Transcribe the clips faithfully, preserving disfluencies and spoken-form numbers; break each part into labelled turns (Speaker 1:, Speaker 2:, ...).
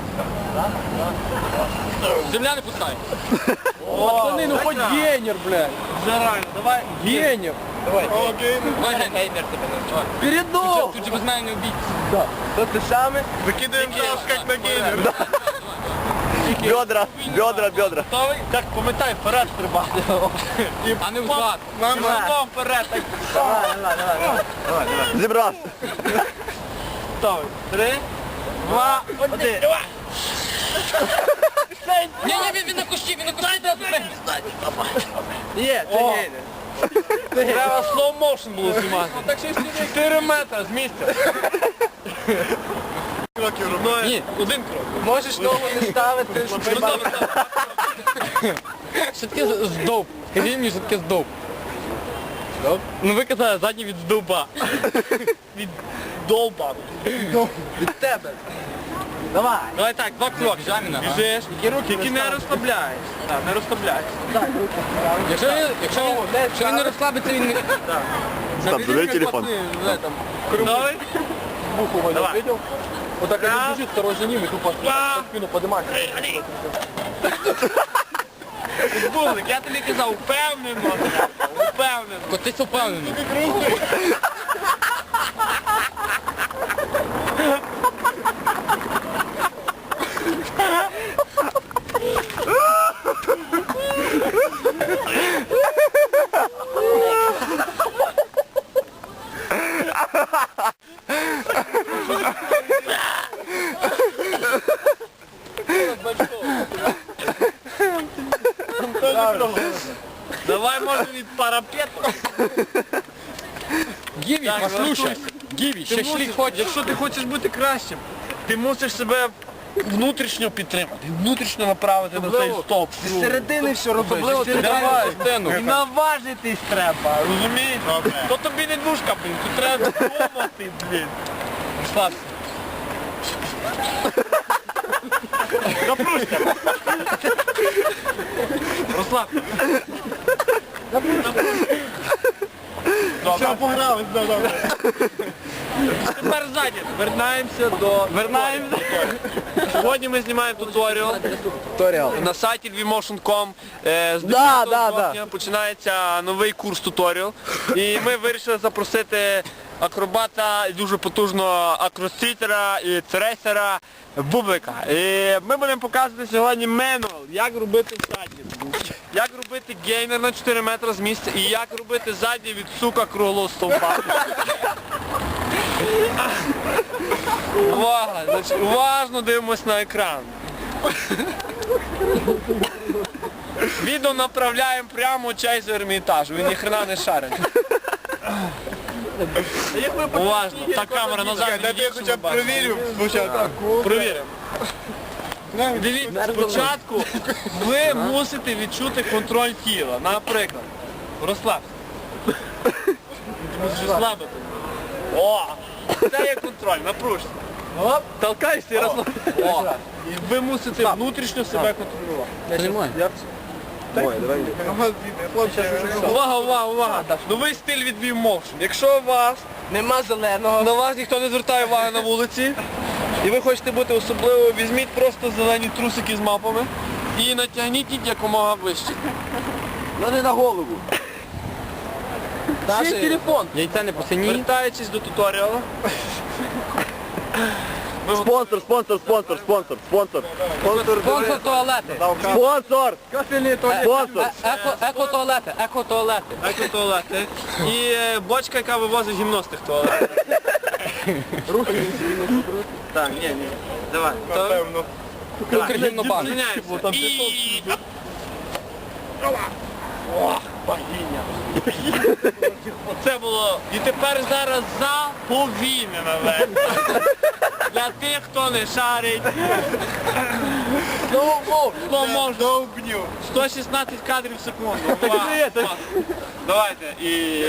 Speaker 1: Земля не пускай.
Speaker 2: Пацаны, ну хоть гейнер, блядь.
Speaker 3: Заранее, давай.
Speaker 2: Гейнер.
Speaker 3: Давай.
Speaker 1: Давай, геймер тебе.
Speaker 2: Передок.
Speaker 1: Тут же без мене не убить.
Speaker 2: Да. То ты самый.
Speaker 3: Выкидываем шаг, как на геймер.
Speaker 2: Бедра, бедра, бедра.
Speaker 3: Готовий? Так, пам'ятай, вперед стрибати.
Speaker 1: А не взад.
Speaker 3: Нам разом вперед. Так.
Speaker 2: Давай, давай, давай. Зібрав.
Speaker 3: Готовий. Три, два, один.
Speaker 1: Ні, ні, він, він на кущі, він на кущі. Дай, дай,
Speaker 2: Є, це
Speaker 3: О.
Speaker 2: гейнер.
Speaker 3: Треба slow motion було знімати. Чотири метри з місця.
Speaker 1: Ні, один крок.
Speaker 2: Можеш ногу не ставити, щоб
Speaker 1: Ну, добре, добре. Що таке здовб? Скажіть мені, що таке здовб? Здовб? Ну ви казали, задній від здовба.
Speaker 3: Від довба.
Speaker 2: від тебе. Давай.
Speaker 3: Давай так, два кроки.
Speaker 1: Жаміна, а?
Speaker 3: Біжиш, тільки не розслабляєш. Так, не розслабляєш.
Speaker 1: Якщо він, якщо він, якщо він не розслабиться, він не...
Speaker 2: Стоп, забери телефон.
Speaker 3: Готовий?
Speaker 2: Буху
Speaker 3: Давай.
Speaker 2: видел? Вот так
Speaker 3: Раз.
Speaker 2: один бежит, второй за ним, и тупо
Speaker 3: Два.
Speaker 2: спину поднимать.
Speaker 3: Бублик, я тобі казав, впевнено. Впевнено.
Speaker 1: Котись впевнений.
Speaker 3: Давай, може, від парапету.
Speaker 1: Гіві,
Speaker 3: Так,
Speaker 1: послушай. Гіві, ще шлі хочеш.
Speaker 3: Якщо ти хочеш бути кращим, ти мусиш себе внутрішньо підтримати, внутрішньо направити на цей стоп.
Speaker 2: З середини все
Speaker 1: Особливо
Speaker 2: робиш.
Speaker 1: ти давай стену.
Speaker 3: І наважитись треба, розумієш? То тобі не душка, блін, тут треба думати, блін. Розслабся. Запружся. Розслабся. Все, погрались, да, добре. Тепер ззаді. Вернаємося до... Вернаємося. Сьогодні ми знімаємо туторіал
Speaker 2: Туторіал.
Speaker 3: на сайті львівмошн крапка ком. Е, З
Speaker 2: Да,
Speaker 3: десятого
Speaker 2: да,
Speaker 3: жовтня починається новий курс туторіал. І ми вирішили запросити акробата і дуже потужного акрострітера і трейсера Бублика. І ми будемо показувати сьогодні менуал, як робити задній, як робити геймер на чотири метри з місця і як робити задній від сука круглого стовпа. Увага! Значить, уважно дивимось на екран. Відео направляємо прямо в чай з Ермітажу, він ніхрена не шарить. Уважно, та камера назад. Я хоча б перевірю спочатку. Перевіримо. Дивіться, спочатку ви мусите відчути контроль тіла. Наприклад, розслабся. Ти мусиш розслабити. О! Це є контроль, напружся. Оп, толкайся і розслабся. О! І ви мусите внутрішньо себе контролювати.
Speaker 2: Ой, давай.
Speaker 3: Увага, увага, увага. Новий стиль від Wimotion. Якщо у вас
Speaker 2: Нема зеленого.
Speaker 3: на вас ніхто не звертає уваги на вулиці, і ви хочете бути особливо, візьміть просто зелені трусики з мапами і натягніть їх якомога вище.
Speaker 2: Ну не на голову.
Speaker 1: Ще
Speaker 2: Ще
Speaker 1: телефон. Яйця не посині.
Speaker 3: Вертаючись до туторіалу.
Speaker 2: Спонсор, спонсор, спонсор, спонсор, спонсор. Спонсор.
Speaker 1: Спонсор туалети.
Speaker 2: Спонсор. Спонсор.
Speaker 1: Е- Еко, еко-туалети, еко-туалети.
Speaker 3: Еко-туалети. І е, бочка, яка вивозить гімно з тих туалетів. Так, ні, ні. Давай. Напевно.
Speaker 1: Укргімнобанк.
Speaker 3: Зупиняємося. І... О, падіння. Оце було. І тепер зараз заповільнена версія. Для тих, хто не шарить. Довбню. сто шістнадцять кадрів в секунду. Увага. Давайте. І...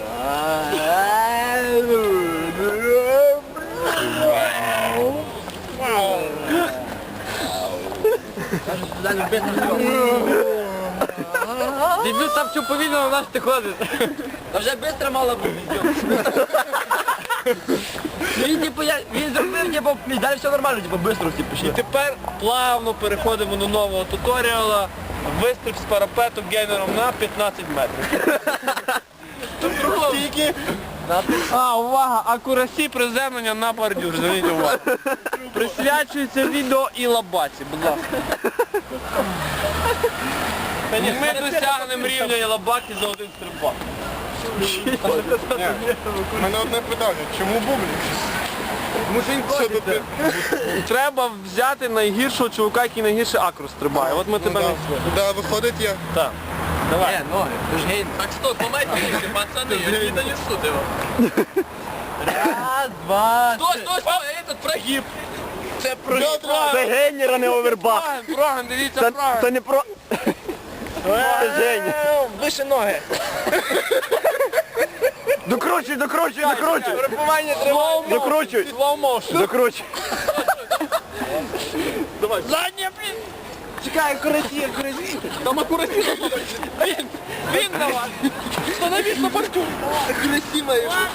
Speaker 1: Дебют там все повільно у нас ти ходиш. Та вже швидко мало бути.
Speaker 2: Він, типу, я, він зробив, типу, далі все нормально, типу, швидко всі
Speaker 3: І
Speaker 2: пішли.
Speaker 3: тепер плавно переходимо до нового туторіала. Вистриб з парапету гейнером на п'ятнадцять метрів.
Speaker 2: Тільки.
Speaker 3: А, увага! Акурасі приземлення на бордюр. Зверніть увагу. Присвячується відео і лабаці, будь ласка. Ми досягнемо рівня і лабаки за один стрибак.
Speaker 4: У мене одне питання, чому бублик? Що тут?
Speaker 3: Треба взяти найгіршого чувака, який найгірше акру стрибає. От ми тебе не
Speaker 4: Да, виходить я.
Speaker 3: Так. Давай.
Speaker 2: ноги, ти ж гейн.
Speaker 3: Так стоп, помогите, пацаны, я не донесу его.
Speaker 2: Раз, два,
Speaker 3: Стой, стой, стой, этот прогиб. Це прогиб.
Speaker 2: Це гейнер, а не овербак.
Speaker 3: Проган, проган, дивіться,
Speaker 2: Це,
Speaker 3: проган.
Speaker 2: це не про... Це гейнер.
Speaker 3: Вище ноги.
Speaker 2: Докручуй, докручуй, докручуй.
Speaker 3: Грипування треба.
Speaker 2: Докручуй.
Speaker 3: Slow motion.
Speaker 2: Докручуй.
Speaker 3: Давай. Задня, блін.
Speaker 2: Чекай, акуратні, акуратні.
Speaker 3: Там акуратно. Він, він давай. Становись на борту.
Speaker 2: Красиво.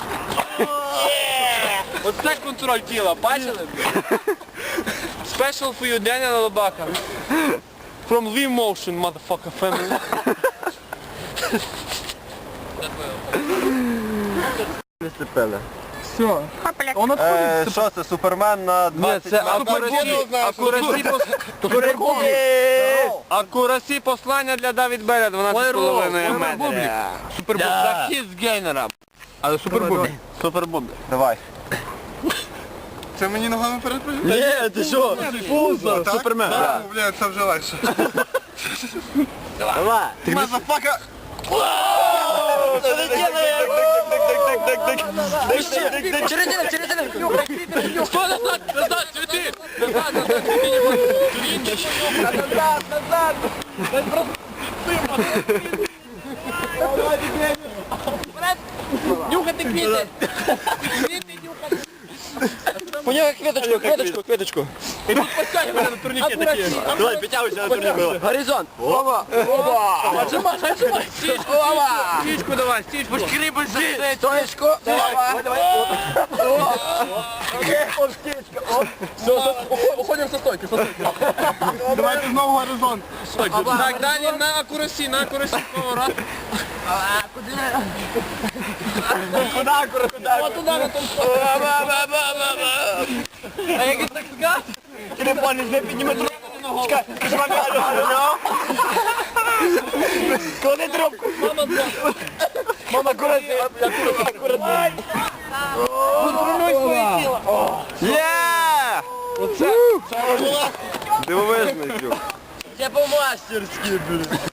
Speaker 3: Оце контроль тіла, бачили? Special for you, Деня на лобака. From V Motion, motherfucker family.
Speaker 2: Все. Он
Speaker 4: Е, Що це, Супермен на
Speaker 3: Ні,
Speaker 4: двадцять
Speaker 3: це
Speaker 4: метрів?
Speaker 3: акурасі, акурасі, пос- акурасі послання для Давід Беля дванадцять з половиною метрів. Супербуб. Захист гейнера.
Speaker 1: Але супербубі.
Speaker 3: Супербуб.
Speaker 4: Давай. Це мені ногами передпрыгнути?
Speaker 2: Ні, ти що? Фузо,
Speaker 4: Так?
Speaker 2: Супермен.
Speaker 4: Да, бля, це вже легше.
Speaker 2: Давай.
Speaker 4: Мазафака!
Speaker 2: Що ти делаєш? Через один, через один.
Speaker 3: Стой, назад, назад, цветы! Назад, назад, цветы не будут.
Speaker 2: Назад, назад.
Speaker 3: Нюхати квіти! Квіти нюхати!
Speaker 2: Понюхай квіточку, квіточку, квіточку.
Speaker 3: І тут паскає мене на турніки такі.
Speaker 2: Давай, підтягуйся на турніку. Горизонт. Опа. Опа.
Speaker 3: Отжимай, отжимай! Стічку,
Speaker 2: Опа.
Speaker 3: стічку давай, стічку! Шкрібай за
Speaker 2: Стоечку. Давай, давай. Окей, оп, стечка, оп.
Speaker 3: Уходимо со стойки, со стойки.
Speaker 4: Давайте знову горизонт.
Speaker 3: Так, далі на акурасі, на акурасі поворот.
Speaker 2: Куда, куда, куда?
Speaker 3: От туди, на тому. А який так сказ?
Speaker 2: Телефон не підніме трубку. Чекай, жмакай, клади трубку.
Speaker 3: Мама,
Speaker 2: Мама, акуратно, акуратно.
Speaker 3: контролюй своє тіло.
Speaker 2: Є!
Speaker 3: Оце.
Speaker 4: Дивовижний, Фю.
Speaker 2: Це по-мастерськи, блін.